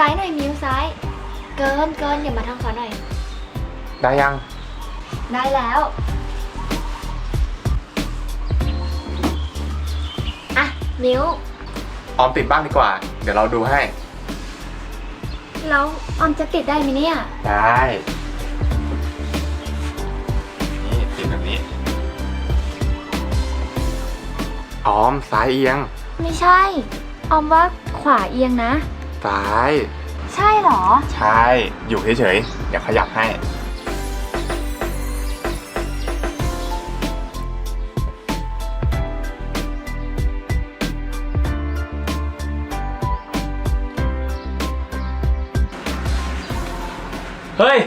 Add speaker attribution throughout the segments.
Speaker 1: ซ้ายหน่อยมิวซ้ายเกินอย่ามาทางขวาหน่อย
Speaker 2: ได้ยัง
Speaker 1: ได้แล้วอ่ะมิว
Speaker 2: ออมติดบ้างดีกว่า เดี๋ยวเราดูให้
Speaker 1: แล้วออมจะติดได้ไหมเนี่ย
Speaker 2: ได้ นี่ติดแบบนี้ ออมซ้ายเอียง
Speaker 1: ไม่ใช่ออมว่าขวาเอียงนะ
Speaker 2: ซ้าย
Speaker 1: ใช่เหรอ
Speaker 2: ใช่ อยู่เฉยๆ เดี๋ยวขยับให้
Speaker 3: เฮ้ย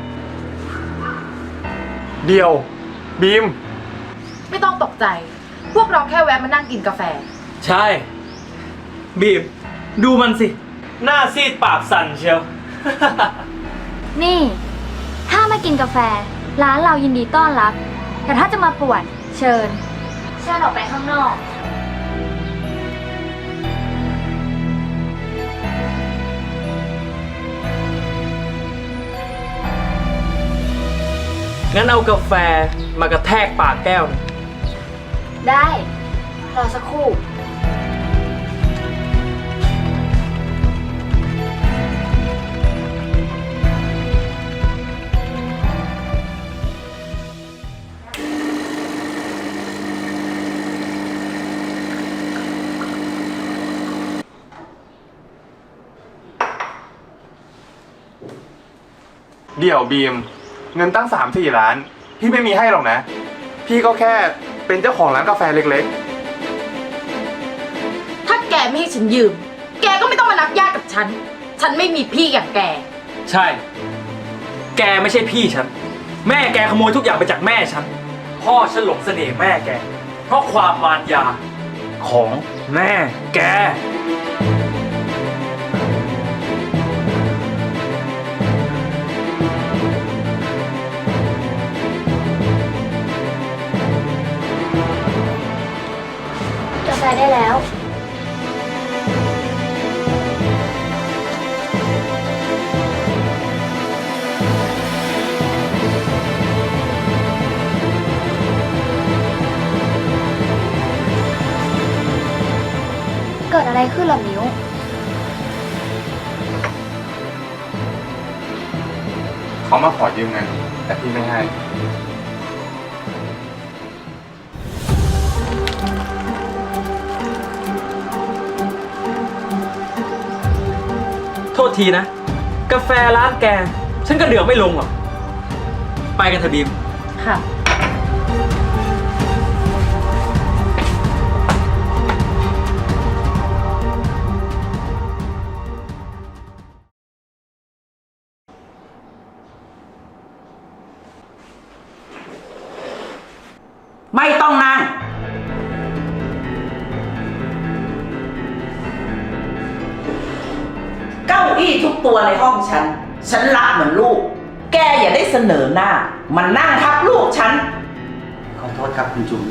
Speaker 2: เดียว บีม
Speaker 4: ไม่ต้องตกใจ พวกเราแค่แวะมานั่งกินกาแฟ
Speaker 3: ใช่ บีบ ดูมันสิ หน้าซีดปากสั่นเชียว
Speaker 1: นี่ ถ้ามากินกาแฟ ร้านเรายินดีต้อนรับ แต่ถ้าจะมาป่วนเชิญออกไปข้างนอก
Speaker 3: งั้นเอากาแฟมากระแทกปากแก้วหนึ่ง
Speaker 1: ได้ รอสักครู่
Speaker 2: เดี๋ยวบีม เงินตั้ง3-4 ล้าน พี่ไม่มีให้หรอกนะ พี่ก็แค่เป็นเจ้าของร้านกาแฟเล็ก
Speaker 4: ถ้าแกไม่ให้ฉันยืม แกก็ไม่ต้องมานับญาติกับฉัน ฉันไม่มีพี่อย่างแก
Speaker 3: ใช่ แกไม่ใช่พี่ฉัน แม่แกขโมยทุกอย่างไปจากแม่ฉัน พ่อฉันหลงเสน่ห์แม่แก เพราะความมารยาของแม่แก
Speaker 1: กาแฟได้แล้ว เกิดอะไรขึ้นล่ะมิว
Speaker 2: ๆ เขามาขอยืมเงิน แต่พี่ไม่ให้
Speaker 3: โทษทีนะ กาแฟร้านแก ฉันก็เดือดไม่ลงหรอก ไปกันเถอะบีม
Speaker 4: ค่ะ
Speaker 5: ไม่ต้องนั่ง เก้าอี้ทุกตัวในห้องฉันรักเหมือนลูก แกอย่าได้เสนอหน้า มันนั่งทับลูกฉัน
Speaker 6: ขอโทษครับคุณจุ๋ม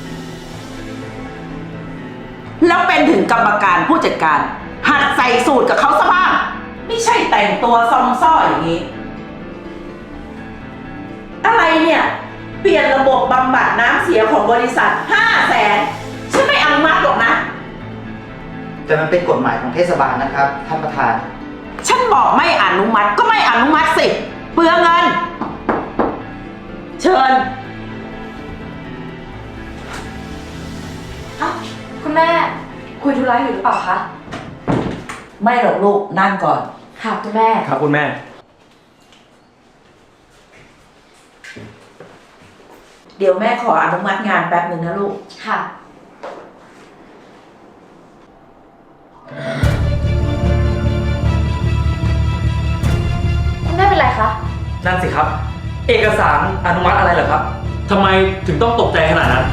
Speaker 5: แล้วเป็นถึงกรรมการผู้จัดการ หัดใส่สูตรกับเขาซะบ้าง ไม่ใช่แต่งตัวซองซ่ออย่างนี้ อะไรเนี่ย เปลี่ยนระบบบำบัดน้ำเสียของบริษัท 500,000ฉันไม่อนุมัติหรอกนะ
Speaker 6: แต่มันเป็นกฎหมายของเทศบาลนะครับท่านประธาน
Speaker 5: ฉันบอกไม่อนุมัติก็ไม่อนุมัติสิ เปลืองเงิน เชิญ
Speaker 4: คุณแม่ คุยธุระอยู่หรือเปล่าคะ
Speaker 5: ไม่หรอกลูกนั่งก่อน
Speaker 4: ค่ะคุณแม่
Speaker 3: ครับคุณแม่
Speaker 5: เดี๋ยวแม่ขออนุมัติงานแป๊บหนึ่งนะลูก
Speaker 4: ค่ะ คุณแม่เป็นไรคะ
Speaker 3: นั่นสิครับ เอกสารอนุมัติอะไรเหรอครับ ทำไมถึงต้องตกใจขนาดนั้น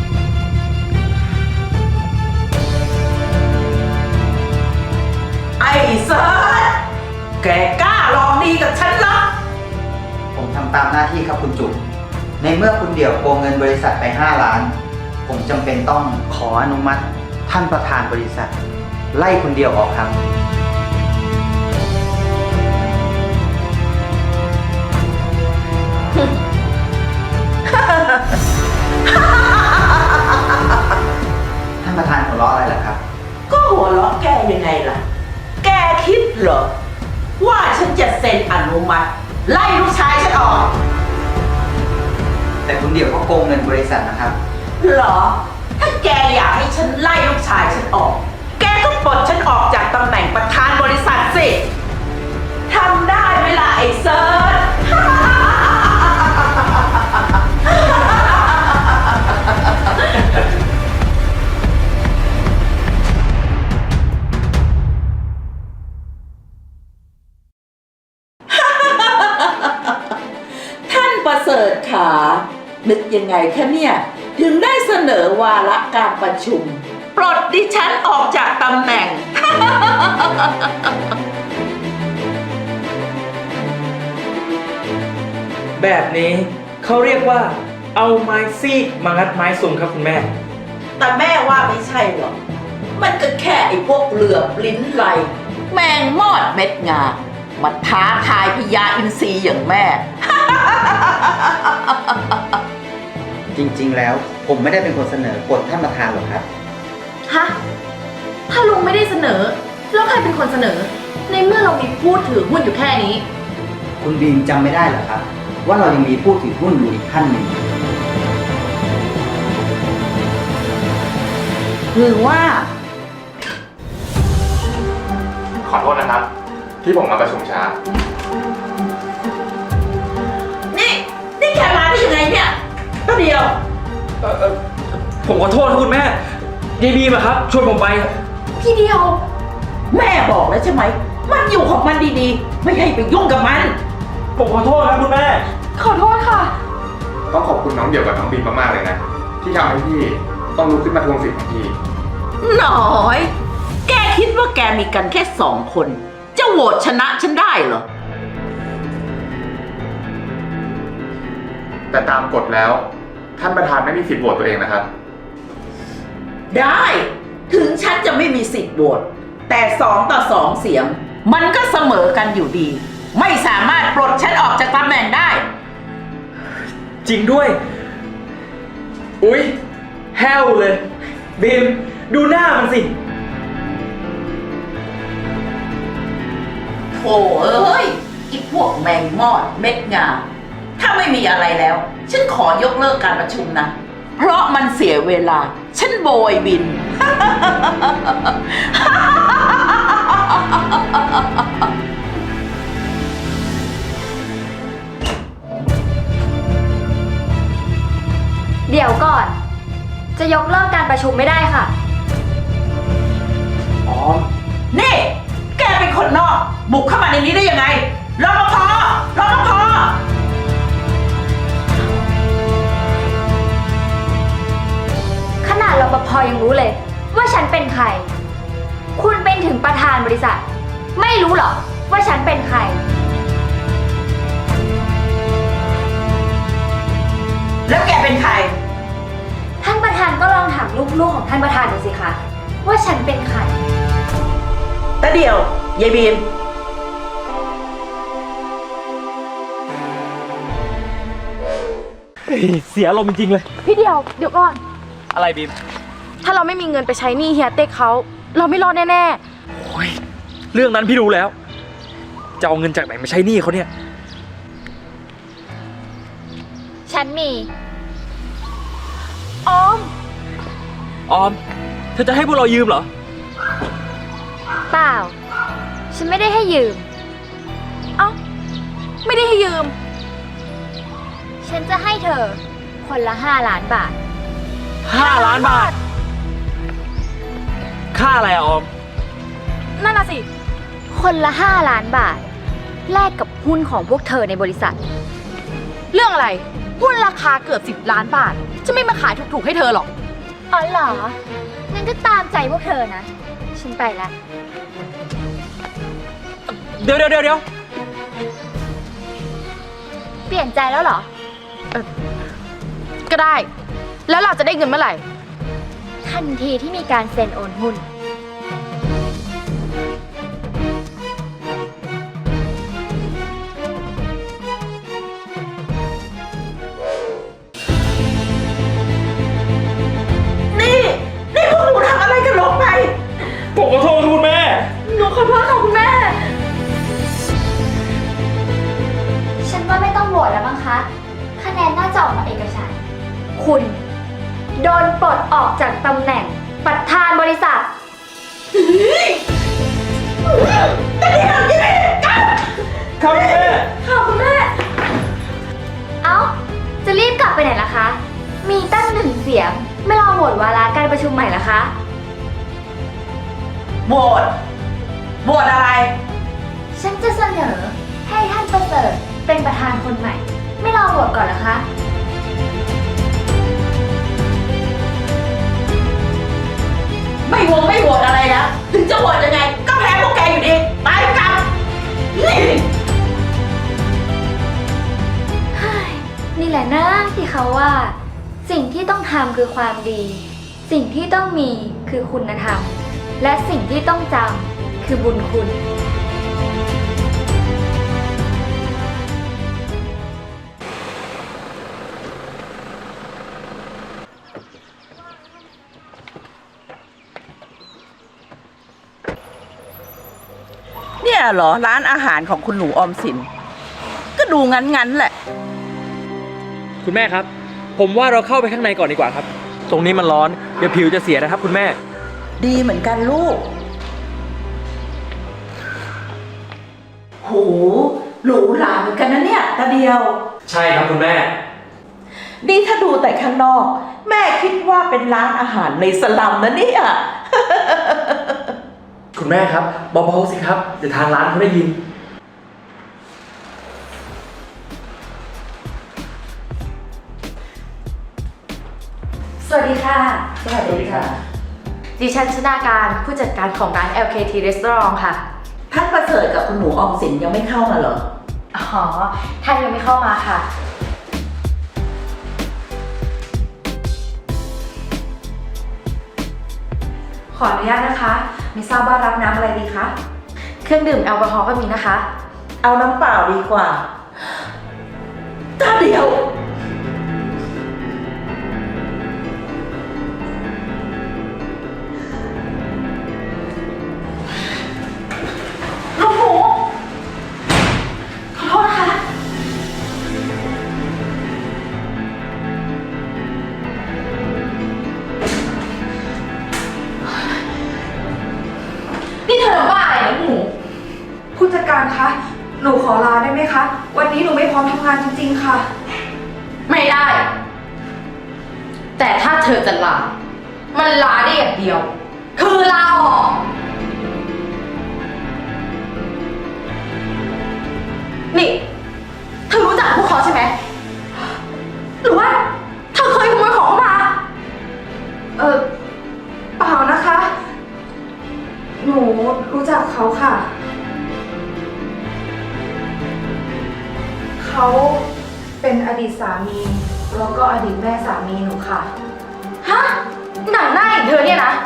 Speaker 5: ไอ้เซิร์ชแกกล้าลองดีกับฉันเหรอ
Speaker 6: ผมทำตามหน้าที่ครับคุณจุ๋ม ในเมื่อคุณเดี่ยวโกงเงินบริษัทไป5 ล้าน ผมจำเป็นต้องขออนุมัติท่านประธานบริษัท ไล่คุณเดี่ยวออกครับท่านประธานหัวเราะอะไรล่ะครับ
Speaker 5: ก็หัวเราะแกยังไงล่ะ แกคิดเหรอ ว่าฉันจะเซ็นอนุมัติ ไล่ลูกชายฉันออก
Speaker 6: แต่คุณเดี่ยวก็โกงเงินบริษัทนะครับ
Speaker 5: เหรอ ถ้าแกอยากให้ฉันไล่ลูกชายฉันออก แกก็ปลดฉันออกจากตำแหน่งประธานบริษัทสิ ทำได้ไหมล่ะไอ้เซิร์ช ท่านประเสริฐขานึกยังไงคะเนี่ย ถึงได้เสนอวาระการประชุม ปลดดิฉันออกจากตำแหน่ง
Speaker 3: แบบนี้เขาเรียกว่าเอาไม้ซีกมางัดไม้สุ่มครับคุณแม่
Speaker 5: แต่แม่ว่าไม่ใช่หรอก มันก็แค่ไอ้พวกเหลือบลิ้นไหล แมงมอดเม็ดงามาท้าทายพญาอินทรีอย่างแม่
Speaker 6: จริงๆ แล้วผมไม่ได้เป็นคนเสนอกฎท่านประธานหรอกครับ
Speaker 4: ฮะ ถ้าลุงไม่ได้เสนอ แล้วใครเป็นคนเสนอ ในเมื่อเรามีผู้ถือหุ้นอยู่แค่นี้
Speaker 6: คุณบีมจำไม่ได้เหรอครับ ว่าเรายังมีผู้ถือหุ้นอยู่อีกท่านหนึ่ง
Speaker 5: หรือว่า
Speaker 2: ขอโทษนะครับ ที่ผมมาประชุมช้า
Speaker 5: นี่แกมาได้ยังไงเนี่ยก็เดียว
Speaker 3: ผมขอโทษครับคุณแม่ยายบีมอะครับชวนผมไป
Speaker 4: พี่เดียว
Speaker 5: แม่บอกแล้วใช่ไหม มันอยู่ของมันดีๆ ไม่ให้ไปยุ่งกับมัน
Speaker 3: ผมขอโทษครับคุณแม่
Speaker 4: ขอโทษค่ะ
Speaker 2: ต้องขอบคุณน้องเดี่ยวกับน้องบีมมากๆเลยนะ ที่ทำให้พี่ต้องลุกขึ้นมาทวงสิทธิ์ของพี่
Speaker 5: หน่อย แกคิดว่าแกมีกันแค่2 คน จะโหวตชนะฉันได้เหรอ
Speaker 2: แต่ตามกฎแล้ว ท่านประธานไม่มีสิทธิ์โหวตตัวเองนะครับ
Speaker 5: ได้ ถึงฉันจะไม่มีสิทธิ์โหวตแต่2-2 เสียง มันก็เสมอกันอยู่ดี ไม่สามารถปลดฉันออกจากตำแหน่งได้
Speaker 3: จริงด้วย อุ๊ยแห้วเลยบีมดูหน้ามันสิ
Speaker 5: โถ่เอ้ยอีพวกแมงมอดเม็ดงา ถ้าไม่มีอะไรแล้ว ฉันขอยกเลิกการประชุมนะ เพราะมันเสียเวลา ฉันโบยบิน
Speaker 1: เดี๋ยวก่อน จะยกเลิกการประชุมไม่ได้ค่ะ
Speaker 3: อ๋อ
Speaker 5: นี่ แกเป็นคนนอก บุกเข้ามาในนี้ได้ยังไงรปภรปภ
Speaker 1: ขนาดรปภยังรู้เลย ว่าฉันเป็นใคร คุณเป็นถึงประธานบริษัท ไม่รู้เหรอว่าฉันเป็นใคร
Speaker 5: แล้วแกเป็นใคร
Speaker 1: ท่านประธานก็ลองถามลูกๆของท่านประธานดูสิคะว่าฉันเป็นใคร
Speaker 5: แต่เดียวยายบีม
Speaker 3: เสียลมณ์จริงๆเลย
Speaker 4: พี่เดียว เดี๋ยวก่อน
Speaker 3: อะไรบีม
Speaker 4: ถ้าเราไม่มีเงินไปใช้หนี้เฮียเต็กเขา เราไม่รอดแน่
Speaker 3: โอ้ยเรื่องนั้นพี่รู้แล้ว จะเอาเงินจากไหนมาใช้หนี้เขาเนี่ย
Speaker 1: ฉันมี
Speaker 4: ๆ ออม
Speaker 3: ออม เธอจะให้พวกเรายืมเหรอ
Speaker 1: เปล่า ฉันไม่ได้ให้ยืม
Speaker 4: เอ้า ไม่ได้ให้ยืม
Speaker 1: ฉันจะให้เธอคนละ5 ล้านบาท
Speaker 3: 5 ล้านบาท ค่าอะไรอะออม
Speaker 4: นั่นน่ะสิ
Speaker 1: คนละ5 ล้านบาท แลกกับหุ้นของพวกเธอในบริษัท
Speaker 4: เรื่องอะไร หุ้นราคาเกือบ10 ล้านบาท จะไม่มาขายถูกๆให้เธอหรอก
Speaker 1: อ๋อเหรอ งั้นก็ตามใจพวกเธอนะ ฉันไปแล้ว
Speaker 3: เดี๋ยว
Speaker 1: เปลี่ยนใจแล้วเหรอ
Speaker 4: ก็ได้ แล้วเราจะได้เงินเมื่อไหร่
Speaker 1: ทันทีที่มีการเซ็นโอนหุ้นโดนปลดออกจากตำแหน่งประธานบริษัท
Speaker 3: ครับแม่
Speaker 1: ค่ะคุณแม่ เอ้า จะรีบกลับไปไหนล่ะคะ มีตั้ง1 เสียง ไม่รอโหวตวาระการประชุมใหม่ล่ะคะ
Speaker 5: โหวตโหวตอะไร
Speaker 1: ฉันจะเสนอให้ท่านประเสริฐเป็นประธานคนใหม่ ไม่รอโหวตก่อนเหรอคะ
Speaker 5: ไม่โหวตอะไรนะ ถึงจะโหวตยังไง ก็แพ้พวกแกอยู่ดี ไปกลับนี่
Speaker 1: นี่แหละนะที่เขาว่า สิ่งที่ต้องทำคือความดี สิ่งที่ต้องมีคือคุณธรรม และสิ่งที่ต้องจำคือบุญคุณ
Speaker 5: เนี่ยเหรอร้านอาหารของคุณหนูออมสิน ก็ดูงั้นแหละ
Speaker 3: คุณแม่ครับ ผมว่าเราเข้าไปข้างในก่อนดีกว่าครับ ตรงนี้มันร้อน เดี๋ยวผิวจะเสียนะครับคุณแม่
Speaker 5: ดีเหมือนกันลูก โหหรูหราเหมือนกันนะเนี่ยตาเดียว
Speaker 3: ใช่ครับคุณแม่
Speaker 5: นี่ถ้าดูแต่ข้างนอก แม่คิดว่าเป็นร้านอาหารในสลัมนะเนี่ย
Speaker 3: คุณแม่ครับเบาๆสิครับเดี๋ยวทางร้านเขาได้ยิน
Speaker 4: สวัสดีค่ะ
Speaker 5: สวัสดีค่ะ
Speaker 4: ดิฉันชนาการผู้จัดการของร้าน LKT Restaurant ค่ะ
Speaker 5: ท่านประเสริฐกับคุณหนูออมสินยังไม่เข้ามาเหรอ
Speaker 4: อ๋อ ท่านยังไม่เข้ามาค่ะ ขออนุญาตนะคะ ไม่ทราบว่ารับน้ำอะไรดีคะ เครื่องดื่มแอลกอฮอล์ก็มีนะคะ
Speaker 5: เอาน้ำเปล่าดีกว่าตาเดียว
Speaker 4: ลูกหมู ขอโทษนะคะ นี่เธอทำบ้าอะไรเนี่ยลูกหมู
Speaker 7: ผู้จัดการคะ หนูขอลาได้ไหมคะ วันนี้หนูไม่พร้อมทำงานจริงๆค่ะ
Speaker 4: ไม่ได้ แต่ถ้าเธอจะลา มันลาได้อย่างเดียว คือลาออก นี่ เธอรู้จักพวกเขาใช่ไหม หรือว่าเธอเคยขโมยของเข้ามา
Speaker 7: เปล่านะคะ หนูรู้จักเขาค่ะ เขาเป็นอดีตสามี แล้วก็อดีตแม่สามีหนูค่ะ
Speaker 4: ฮะ หนังหน้าอย่างเธอเนี่ยนะ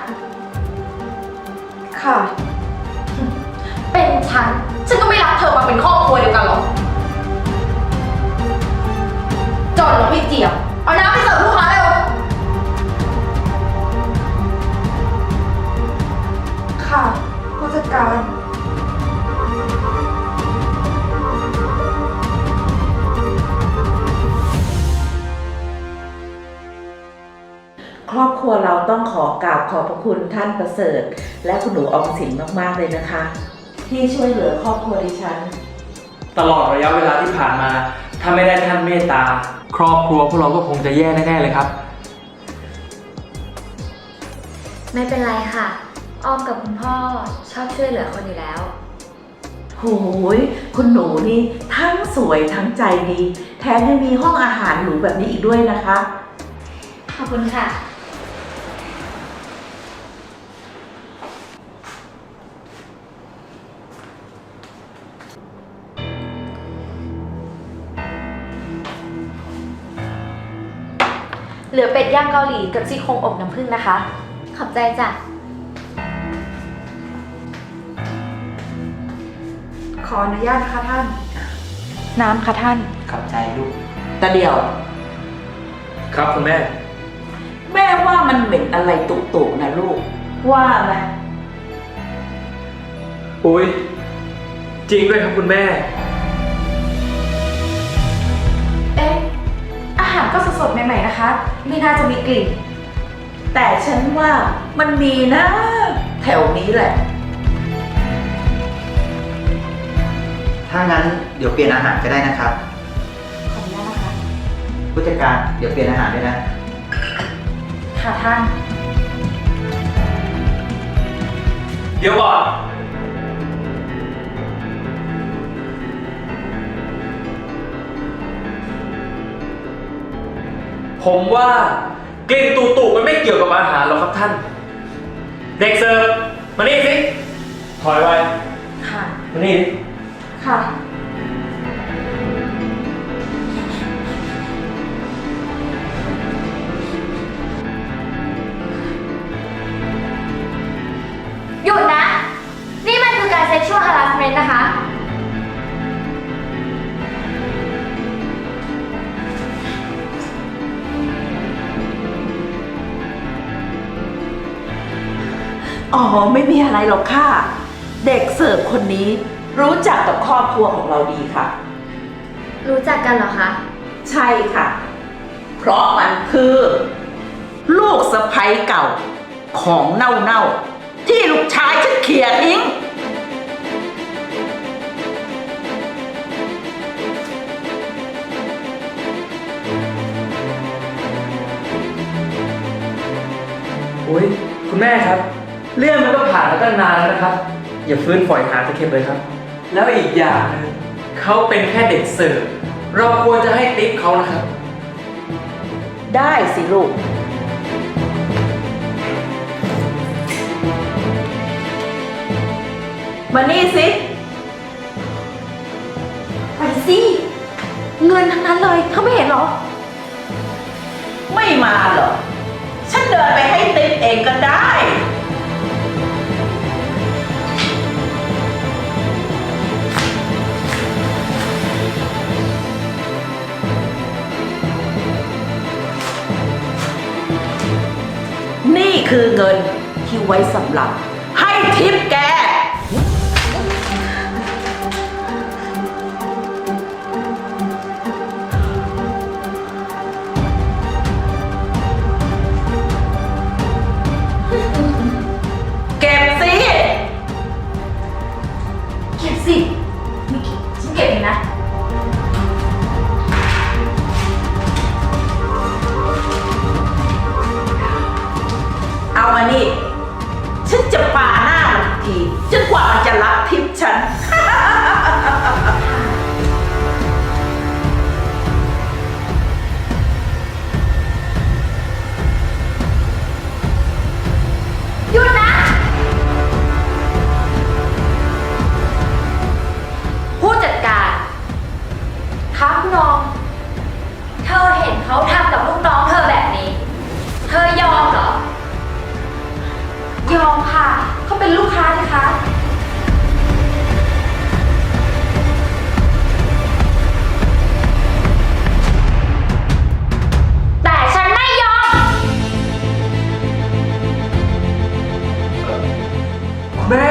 Speaker 7: ค่ะ
Speaker 4: เป็นฉันก็ไม่รับเธอมาเป็นครอบครัวเดียวกันหรอก จอนหรอพี่เจียบ เอาน้ำไปเสิร์ฟลูกค้าเร็ว
Speaker 7: ค่ะ ผู้จัดการ
Speaker 5: ครอบครัวเราต้องขอกราบขอบพระคุณท่านประเสริฐ และคุณหนูออมสินมากๆเลยนะคะ ที่ช่วยเหลือครอบครัวดิฉัน
Speaker 3: ตลอดระยะเวลาที่ผ่านมา ถ้าไม่ได้ท่านเมตตา ครอบครัวพวกเราก็คงจะแย่แน่ๆเลยครับ
Speaker 1: ไม่เป็นไรค่ะ ออมกับคุณพ่อชอบช่วยเหลือคนอยู่แล้ว
Speaker 5: โหยคุณหนูนี่ทั้งสวยทั้งใจดี แถมยังมีห้องอาหารหรูแบบนี้อีกด้วยนะคะ
Speaker 1: ขอบคุณค่ะ
Speaker 4: เหลือเป็ดย่างเกาหลีกับซี่โครงอบน้ำผึ้งนะคะ
Speaker 1: ขอบใจจ้ะ
Speaker 7: ขออนุญาตนะคะท่าน
Speaker 4: น้ำค่ะท่าน
Speaker 6: ขอบใจลูก
Speaker 5: แต่เดียว
Speaker 3: ครับคุณแม่
Speaker 5: แม่ว่ามันเหม็นอะไรตุๆนะลูก ว่าไหม
Speaker 3: อุ้ยจริงด้วยครับคุณแม่
Speaker 7: เอ๊ะ อาหารก็สดๆใหม่ๆนะคะ ไม่น่าจะมีกลิ่น
Speaker 5: แต่ฉันว่ามันมีนะ แถวนี้แหละ
Speaker 6: ถ้างั้นเดี๋ยวเปลี่ยนอาหารก็ได้นะครับ
Speaker 7: ขออนุญาตนะคะ
Speaker 6: ผู้จัดการเดี๋ยวเปลี่ยนอาหารด้วยนะ
Speaker 7: ค่ะท่าน
Speaker 3: เดี๋ยวก่อน ผมว่ากลิ่นตุ่ๆมันไม่เกี่ยวกับอาหารหรอกครับท่าน เด็กเสิร์ฟมานี่สิถอยไป
Speaker 7: ค่ะ
Speaker 3: มานี่ดิ
Speaker 7: ค่ะ
Speaker 1: หยุดนะ นี่มันคือการ sexual harassment นะคะ
Speaker 5: อ๋อ ไม่มีอะไรหรอกค่ะ เด็กเสิร์ฟคนนี้รู้จักกับครอบครัวของเราดีค่ะ
Speaker 1: รู้จักกันเหรอคะ
Speaker 5: ใช่ค่ะ เพราะมันคือ ลูกสะใภ้เก่าของเน่าๆที่ลูกชายฉันเขี่ยทิ้ง
Speaker 3: โอ้ยคุณแม่ครับ เรื่องมันก็ผ่านมาตั้งนานแล้วนะครับ อย่าฟื้นฝอยหาตะเข็บเลยครับ แล้วอีกอย่างหนึงเขาเป็นแค่เด็กเสิร์ฟเราควรจะให้ติ๊ปเขานะครับ
Speaker 5: ได้สิลูก มานี่สิ
Speaker 7: ไปสิ เงินทั้งนั้นเลยเธอไม่เห็นเหรอ
Speaker 5: ไม่มาเหรอ ฉันเดินไปให้ติ๊บเองก็ได้ นี่คือเงินที่ไว้สำหรับ ให้ทิปแก เก็บสิ
Speaker 7: เก็บสิไม่เก็บฉันเก็บเองนะ
Speaker 5: เอามานี่ ฉันจะปาหน้ามันอีกทีจนกว่ามันจะรับทิปฉัน
Speaker 1: หยุดนะ ผู้จัดการครับน้อง เธอเห็นเขาทำกับลูกน้องเธอแบบนี้ เธอยอมเหรอ
Speaker 7: ยอมค่ะ เขาเป็นลูกค้านะคะ
Speaker 1: แต่ฉันไม่ยอม
Speaker 3: คุณแม่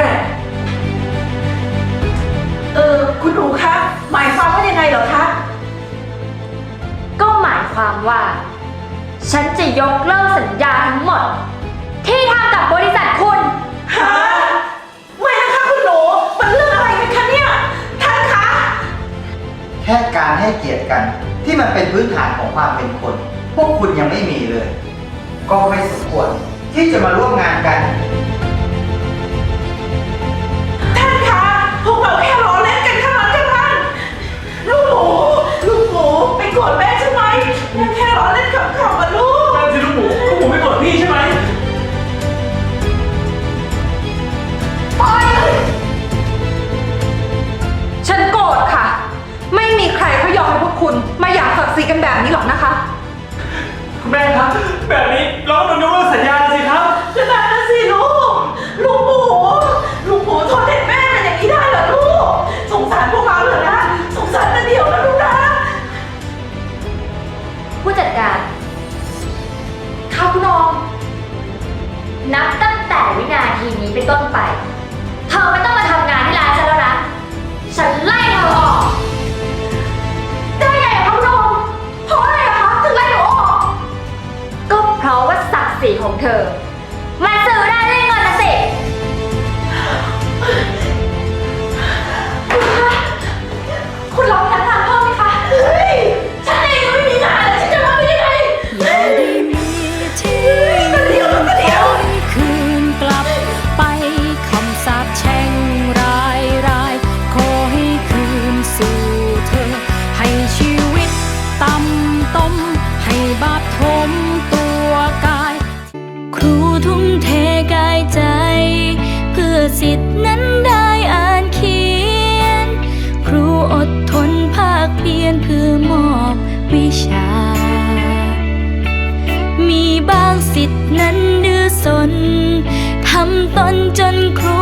Speaker 5: คุณหนูคะ หมายความว่ายังไงเหรอคะ
Speaker 1: ก็หมายความว่า ฉันจะยกเลิกสัญญาทั้งหมด ที่ทำกับบริษัทคุณ
Speaker 5: ฮะ ไม่นะคะคุณหนู มันเรื่องอะไรกันคะเนี่ย ท่านคะ
Speaker 6: แค่การให้เกียรติกันที่มันเป็นพื้นฐานของความเป็นคน พวกคุณยังไม่มีเลย ก็ไม่สมควรที่จะมาร่วมงานกัน
Speaker 5: ท่านคะ พวกเราแค่ล้อเล่นกันเท่านั้นค่ะท่านลูกหมูไปโกรธแม่ใช่ไหมแม่แค่ล้อเล่นขำๆอะลูก
Speaker 3: นั่นสิลูกหมูไม่โกรธพี่ใช่ไหม
Speaker 7: ฉันโกรธค่ะ ไม่มีใครเขายอมให้พวกคุณมาหย่าศักดิ์ศรีกันแบบนี้หรอกนะคะ
Speaker 3: คุณแม่ครับ แบบนี้เราต้องยกเลิกสัญญาสิครับ
Speaker 5: ก็นั่นนะสิลูกหมูทนเห็นแม่เป็นอย่างนี้ได้เหรอลูก สงสารพวกเราเหรอนะ สงสารนะเดี๋ยวนะลูกนะ
Speaker 1: ผู้จัดการครับน้อง นับตั้งแต่วินาทีนี้เป็นต้นไป เธอไม่ต้องมาทำงานที่ร้านฉันแล้วนะ ฉันไล่เธอออก ได้ไงอะครับน้อง เพราะอะไรอะคะถึงไล่หนูออก ก็เพราะว่าศักดิ์ศรีของเธอ มาซื้อได้ด้วยเงินนะสิ
Speaker 4: คุณรับพนักงานเพิ่มไหมคะ เฮ้ย ฉันเองก็ไม่มีงานแล้วฉันจะรับไปได้ไง
Speaker 8: อย่าได้มีที่คืนกลับไปคำสาปแช่งร้ายขอให้คืนสู่เธอ ให้ชีวิตต่ำต้มให้บาปทมตัวกาย ครูทุ่มเทกายใจ เพื่อสิทธินั้นได้อ่านเขียน ครูอดทนภาคเพียรเพื่อมอบวิชา มีบางสิทธินั้นดื้อสน ทำตนจนครู